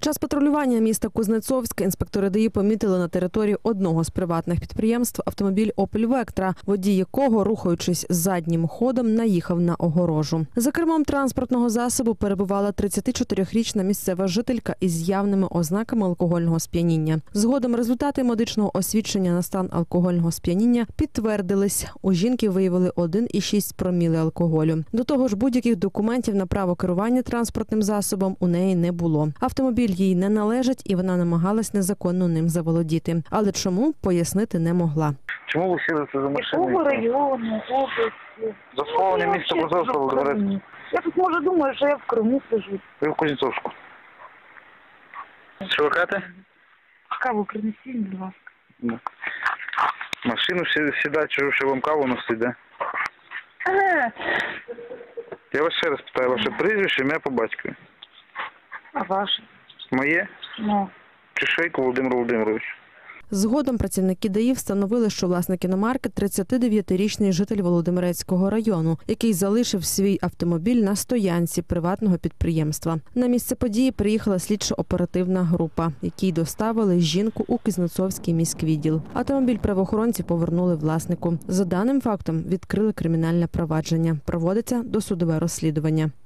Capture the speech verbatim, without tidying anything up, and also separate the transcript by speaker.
Speaker 1: Під час патрулювання міста Кузнецовська інспектори ДАІ помітили на території одного з приватних підприємств автомобіль «Опель Вектра», водій якого, рухаючись заднім ходом, наїхав на огорожу. За кермом транспортного засобу перебувала тридцятичотирирічна місцева жителька із явними ознаками алкогольного сп'яніння. Згодом результати медичного освідчення на стан алкогольного сп'яніння підтвердились. У жінки виявили один і шість проміли алкоголю. До того ж, будь-яких документів на право керування транспортним засобом у неї не було. Автомобіль їй не належить і вона намагалась незаконно ним заволодіти. Але чому, пояснити не могла.
Speaker 2: Чому ви сіли це за машиною?
Speaker 3: Якого району, області?
Speaker 2: Засловлення міста Кузнецовська, Володимирецька.
Speaker 3: Я тут, може, думаю, що я в Криму сижу.
Speaker 2: Ви в Кузнецовську. Що ви кажете?
Speaker 3: Каву принесіть, будь ласка.
Speaker 2: Машину сідати, чужу, що вам каву носить, да?
Speaker 3: Ага.
Speaker 2: Я вас ще раз питаю, ваше прізвище, ім'я по батькові.
Speaker 3: А ваше?
Speaker 2: Моє?
Speaker 3: Ну.
Speaker 2: Чешейко Володимир Володимирович.
Speaker 1: Згодом працівники ДАІ встановили, що власник іномарки – тридцятидев'ятирічний житель Володимирецького району, який залишив свій автомобіль на стоянці приватного підприємства. На місце події приїхала слідчо-оперативна група, якій доставили жінку у Кузнецовський міськвідділ. Автомобіль правоохоронці повернули власнику. За даним фактом відкрили кримінальне провадження. Проводиться досудове розслідування.